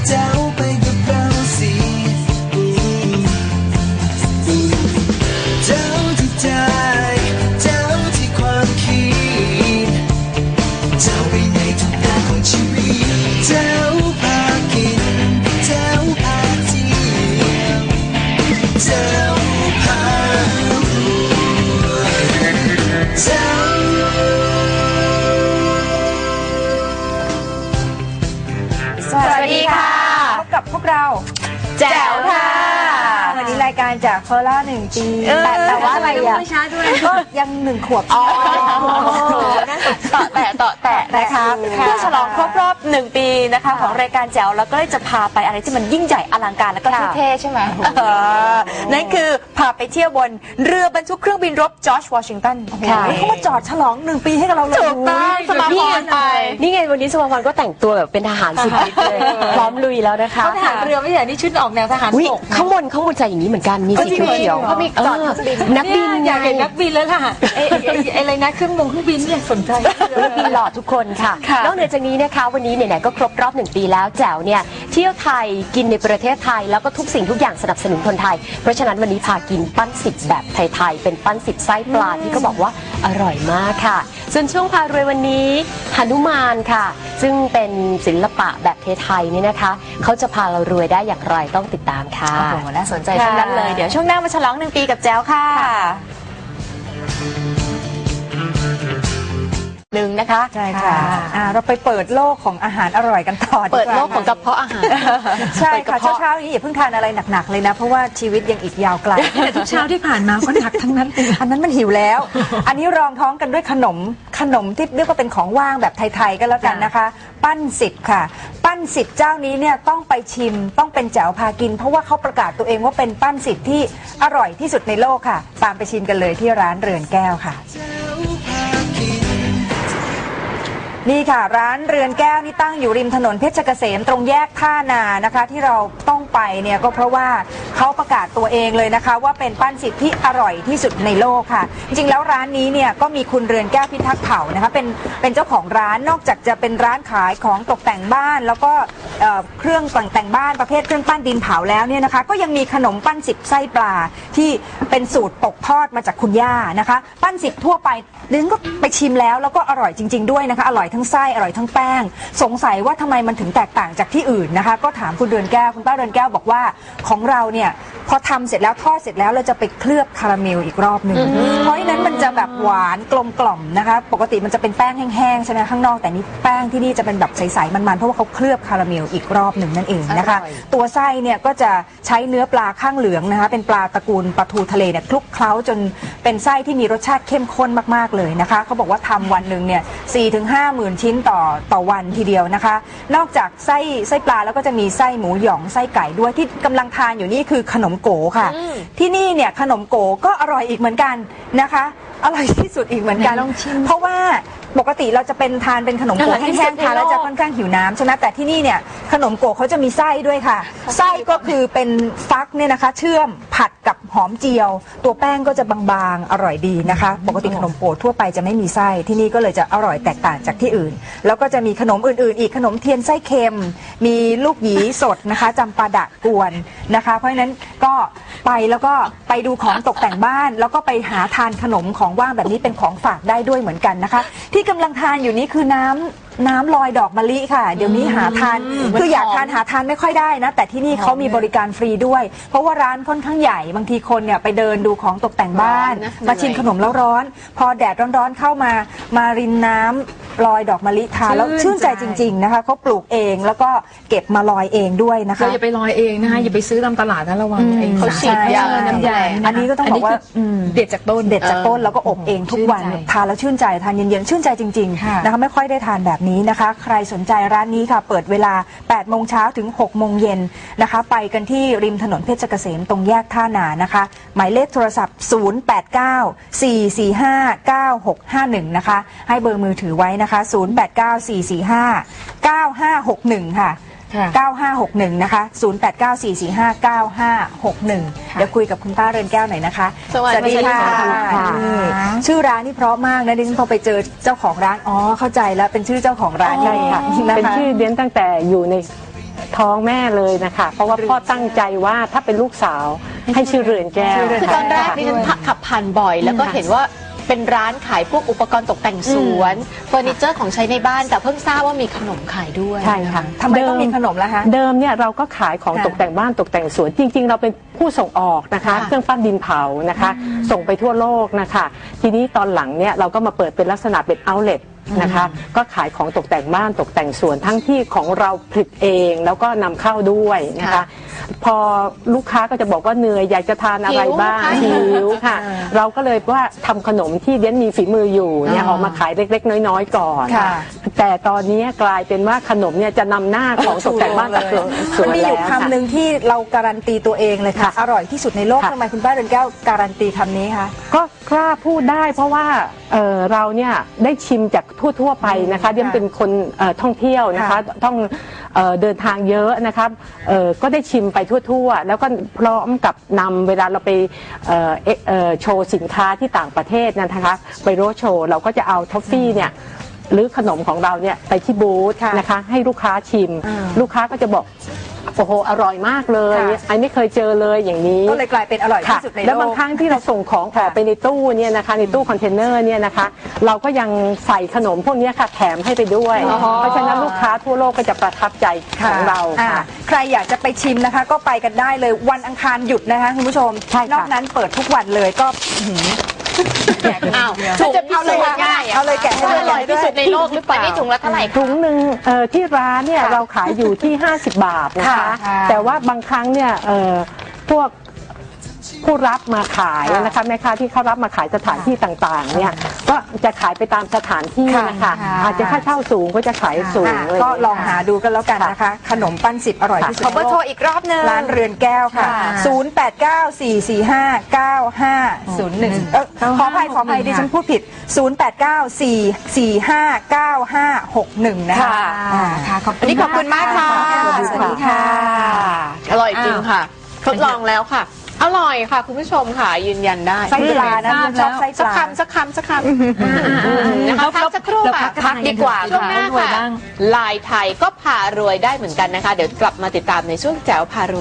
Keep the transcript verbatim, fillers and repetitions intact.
แจ๋วไปกับเราสิแจ๋วที่ใจแจ๋วที่ความคิดแจ๋วไปในทุกด้านของชีวิตแจ๋วพากินแจ๋วพาเที่ยวแจ๋วพารวยแจ๋วสวัสดีค่ะพบกับพวกเราแจ๋วค่ะวันนี้รายการจากโคราชหนึ่งปีแต่แต่ว่าอะไรอ่ะก็ยังหนึ่งขวบอ๋อต่อแตะต่อแตะนะคะเพื่อฉลองครบรอบหนึ่งปีนะคะของรายการแจ๋วแล้วก็เลยจะพาไปอะไรที่มันยิ่งใหญ่อลังการแล้วก็เท่ๆใช่ไหมนั่นคือพาไปเที่ยวบนเรือบรรทุกเครื่องบินรบจอร์จวอชิงตันเขามาจอดฉลองหนึ่งปีให้กับเราเลยถูกต้องสมาพรไปนี่ไงวันนี้สมาพรก็แต่งตัวแบบเป็นทหารสุดฤทธิ์เลยพร้อมลุยแล้วนะคะเขาทหารเรือไม่ใช่นี่ชุดออกแนวทหารบกข้างบนข้างบนใจอย่างนี้เหมือนกันมีสีเขียวเขามีจอดนักบินอยากเห็นนักบินแล้วล่ะไอ้อะไรนะเครื่องบินเครื่องบินเนี่ยสนใจนักบินหล่อทุกคนค่ะนอกเหนือจากนี้นะคะวันนี้ไหนๆก็ครบรอบหนึ่งปีแล้วแจ๋วเนี่ยเที่ยวไทยกินในประเทศไทยแล้วก็ทุกสิ่งทุกอย่างสนับสนุนคนไทยเพราะฉะนั้นวันนี้พากินปั้นสิบแบบไทยๆเป็นปั้นสิบไส้ปลาที่เขาบอกว่าอร่อยมากค่ะส่วนช่วงพารวยวันนี้หนุมานค่ะซึ่งเป็นศิลปะแบบไทยๆนี่นะคะเขาจะพาเรารวยได้อย่างไรต้องติดตามค่ะโอ้โหน่าสนใจทั้งนั้นเลยเดี๋ยวช่วงหน้ามาฉลองหนึ่งปีกับแจ๋วค่ะหนึ่งนะคะใช่ค่ะเราไปเปิดโลกของอาหารอร่อยกันต่อเปิดโลกของกระเพาะอาหารใช่ค่ะเช้าๆนี้อย่าเพิ่งทานอะไรหนักๆเลยนะเพราะว่าชีวิตยังอีกยาวไกลแต่ทุกเช้าที่ผ่านมาก็หนักทั้งนั้นอันนั้นมันหิวแล้วอันนี้รองท้องกันด้วยขนมขนมที่เรียกว่าเป็นของว่างแบบไทยๆก็แล้วกันนะคะปั้นสิบค่ะปั้นสิบเจ้านี้เนี่ยต้องไปชิมต้องเป็นแจ๋วพากินเพราะว่าเขาประกาศตัวเองว่าเป็นปั้นสิบที่อร่อยที่สุดในโลกค่ะตามไปชิมกันเลยที่ร้านเรือนแก้วค่ะนี่ค่ะร้านเรือนแก้วนี่ตั้งอยู่ริมถนนเพชรเกษมตรงแยกท่านานะคะที่เราต้องไปเนี่ยก็เพราะว่าเขาประกาศตัวเองเลยนะคะว่าเป็นปั้นสิบที่อร่อยที่สุดในโลกค่ะจริงๆแล้วร้านนี้เนี่ยก็มีคุณเรือนแก้วพิทักษ์เผ่านะคะเป็นเป็นเจ้าของร้านนอกจากจะเป็นร้านขายของตกแต่งบ้านแล้วก็เครื่องแต่งบ้านประเภทเครื่องปั้นดินเผาแล้วเนี่ยนะคะก็ยังมีขนมปั้นสิบไส้ปลาที่เป็นสูตรตกทอดมาจากคุณย่านะคะปั้นสิบทั่วไปดิฉันก็ไปชิมแล้วแล้วก็อร่อยจริงๆด้วยนะคะอร่อยทั้งไส้อร่อยทั้งแป้งสงสัยว่าทำไมมันถึงแตกต่างจากที่อื่นนะคะก็ถามคุณเรือนแก้วคุณป้าเรือนแก้วบอกว่าของเราเนี่ยพอทำเสร็จแล้วทอดเสร็จแล้วเราจะไปเคลือบคาราเมลอีกรอบหนึ่งเพราะฉะนั้นมันจะแบบหวานกลมกล่อมนะคะปกติมันจะเป็นแป้งแห้งๆใช่ไหมข้างนอกแต่นี่แป้งที่นี่จะเป็นแบบใสๆมันๆเพราะว่าเขาเคลือบคาราเมลอีกรอบหนึ่งนั่นเองนะคะตัวไส้เนี่ยก็จะใช้เนื้อปลาข้างเหลืองนะคะเป็นปลาตระกูลปลาทูทะเลเนี่ยคลุกเคล้าจนเป็นไส้ที่มีรสชาติเข้มข้นมากๆเลยนะคะเขาบอกว่าทำวันหนึ่งเนี่ยสี่ถึงห้าหมื่นชิ้นต่อต่อวันทีเดียวนะคะนอกจากไส้ไส้ปลาแล้วก็จะมีไส้หมูหยองไส้ไก่ด้วยที่กำลังทานอยู่นี่คือขนมโกค่ะที่นี่เนี่ยขนมโกก็อร่อยอีกเหมือนกันนะคะอร่อยที่สุดอีกเหมือนกันเพราะว่าปกติเราจะเป็นทานเป็นขนมโกแห้งๆทานแล้วจะค่อนข้างหิวน้ำใช่ไหมแต่ที่นี่เนี่ยขนมโกเขาจะมีไส้ด้วยค่ะไส้ก็คือเป็นฟักเนี่ยนะคะเชื่อมผัดกับหอมเจียวตัวแป้งก็จะบางๆอร่อยดีนะคะปกติขนมโกทั่วไปจะไม่มีไส้ที่นี่ก็เลยจะอร่อยแตกต่างจากที่อื่นแล้วก็จะมีขนมอื่นๆอีกขนมเทียนไส้เค็มมีลูกหยีสดนะคะจำปาดะกวนนะคะเพราะฉะนั้นก็ไปแล้วก็ไปดูของตกแต่งบ้านแล้วก็ไปหาทานขนมของว่างแบบนี้เป็นของฝากได้ด้วยเหมือนกันนะคะที่กำลังทานอยู่นี้คือน้ำน้ำลอยดอกมะลิค่ะเดี๋ยวนี้หาทานคืออยากทานหาทานไม่ค่อยได้นะแต่ที่นี่เขามีบริการฟรีด้วยเพราะว่าร้านค่อนข้างใหญ่บางทีคนเนี่ยไปเดินดูของตกแต่งบ้านมาชิมขนมแล้วร้อนพอแดดร้อนๆเข้ามามารินน้ำลอยดอกมะลิทานแล้วชื่นใจจริงๆนะคะเขาปลูกเองแล้วก็เก็บมาลอยเองด้วยนะคะอย่าไปลอยเองนะคะอย่าไปซื้อตามตลาดนะระวังเขาฉีดยาน้ำยาอันนี้ก็ต้องบอกว่าเด็ดจากต้นเด็ดจากต้นแล้วก็อบเองทุกวันทานแล้วชื่นใจทานเย็นๆชื่นใจจริงๆนะคะไม่ค่อยได้ทานแบบนี้นะคะใครสนใจร้านนี้ค่ะเปิดเวลาแปดโมงเช้าถึงหกโมงเย็นนะคะไปกันที่ริมถนนเพชรเกษมตรงแยกท่านานะคะหมายเลขโทรศัพท์ศูนย์ แปด เก้า สี่ สี่ ห้า เก้า หก ห้า หนึ่งนะคะให้เบอร์มือถือไว้นะคะศูนย์ แปด เก้า สี่ สี่ ห้า เก้า ห้า หก หนึ่งค่ะเก้า ห้า หก หนึ่งนะคะศูนย์ แปด เก้า สี่ สี่ ห้า เก้า ห้า หก หนึ่งเดี๋ยวคุยกับคุณป้าเรือนแก้วหน่อยนะคะสวัสดีค่ะชื่อร้านนี่เพราะมากนะดิฉันพอไปเจอเจ้าของร้านอ๋อเข้าใจแล้วเป็นชื่อเจ้าของร้านใช่ค่ะเป็นชื่อเดียนตั้งแต่อยู่ในท้องแม่เลยนะคะเพราะว่าพ่อตั้งใจว่าถ้าเป็นลูกสาวให้ชื่อเรือนแก้วคือตอนแรกดิฉันขับผ่านบ่อย แล้วก็เห็นว่าเป็นร้านขายพวกอุปกรณ์ตกแต่งสวนเฟอร์นิเจอร์ของใช้ในบ้านแต่เพิ่งทราบว่ามีขนมขายด้วยใช่ค่ะทำไมต้องมีขนมล่ะคะเดิมเนี่ยเราก็ขายของค่ะตกแต่งบ้านตกแต่งสวนจริง ๆ เราเป็นผู้ส่งออกนะคะค่ะเครื่องปั้นดินเผานะคะ ส่งไปทั่วโลกนะคะ ทีนี้ตอนหลังเนี่ยเราก็มาเปิดเป็นลักษณะเป็นเอาท์เล็ตนะคะก็ขายของตกแต่งบ้านตกแต่งสวนทั้งที่ของเราผลิตเองแล้วก็นำเข้าด้วยนะคะค่ะพอลูกค้าก็จะบอกว่าเหนื่อยอยากจะทานอะไรบ้างหิวหิวค่ะ เราก็เลยว่าทำขนมที่เดียนมีฝีมืออยู่เนี่ยอ๋อออกมาขายเล็กๆ น้อยๆก่อนค่ะแต่ตอนนี้กลายเป็นว่าขนมเนี่ยจะนำหน้าของตกแต่งบ้านตกแต่งสมัวน นมีอยู่แล้วคำหนึ่งที่เราการันตีตัวเองเลยค่ะค่ะอร่อยที่สุดในโลกค่ะทำไมคุณป้าเรือนแก้วการันตีคำนี้คะก็กล้าพูดได้เพราะว่าเอ่อเราเนี่ยได้ชิมจากทั่วๆไปนะคะเดียนเป็นคนเอ่อท่องเที่ยวนะคะค่ะต้องเอ่อเดินทางเยอะนะครับเอ่อก็ได้ชิมไปทั่วๆ แล้วก็พร้อมกับนำเวลาเราไปเอ่อเอ่อเอ่อโชว์สินค้าที่ต่างประเทศนะคะไปโรดโชว์เราก็จะเอาทอฟฟี่เนี่ยหรือขนมของเราเนี่ยไปที่บูธค่ะนะคะให้ลูกค้าชิมอ่าลูกค้าก็จะบอกโอ้โหอร่อยมากเลยค่ะไอ้ไม่เคยเจอเลยอย่างนี้ก็เลยกลายเป็นอร่อยค่ะที่สุดในโลกแล้วบางครั้งที่เราส่งของออกไปในตู้เนี่ยนะคะในตู้คอนเทนเนอร์เนี่ยนะคะ เราก็ยังใส่ขนมพวกเนี้ยค่ะแถมให้ไปด้วยอ๋อเพราะฉะนั้นลูกค้าทั่วโลกก็จะประทับใจของเราอ่าค่ะใครอยากจะไปชิมนะคะ ก็ไปกันได้เลยวันอังคารหยุดนะคะคุณผู้ชมใช่ค่ะนอกนั้นเปิดทุกวันเลยก็อื้อหืออ้าวถุงจะเอาเลยค่ะง่ายเอาเลยแกะให้ว่าเลยอร่อยที่สุดในโลกหรือเปล่านี่ถุงละเท่าไหร่ถุคะงหนึ่งเอ่อที่ร้านเนี่ยค่ะเราขายอยู่ที่ ห้าสิบบาทนะคะค่ะแต่ว่าบางครั้งเนี่ยเอ่อพวกผู้รับมาขายค่ะนะคะแม่ค้าที่เขารับมาขายสถานที่ต่างๆเนี่ยก็จะขายไปตามสถานที่นะคะค่ะอาจจะค่าเช่าสูงก็จะขายสูงอ่ะเลยก็ลองหาดูกันแล้วกันนะคะ ขนมปั้นสิบอร่อยที่สุดขอเบอร์โทรอีกรอบหนึงร้านเรือนแก้วค่ะค่ะศูนย์ แปด เก้า สี่ สี่ ห้า เก้า ห้า ศูนย์ หนึ่ง เออขออภัยขออภัยดิฉันพูดผิด ศูนย์ แปด เก้า สี่ สี่ ห้า เก้า ห้า หก หนึ่ง นะคะค่ะอ่าค่ะขอบคุอันณนี้ขอบคุณมากค่ะสวัสดีค่ะอร่อยจริงค่ะ ทดลองแล้วค่ะ อร่อยค่ะ คุณผู้ชมค่ะยืนยันได้ไส้ปลานะดิฉันชอบไส้ปสักลาคำสักคำสักคำนะคะพักสักครู่ค่ะพักดีกว่าช่วงหน้าค่ะลายไทยก็พารวยได้เหมือนกันนะคะ เดี๋ยวกลับมาติดตามในช่วงแจ๋วพารวย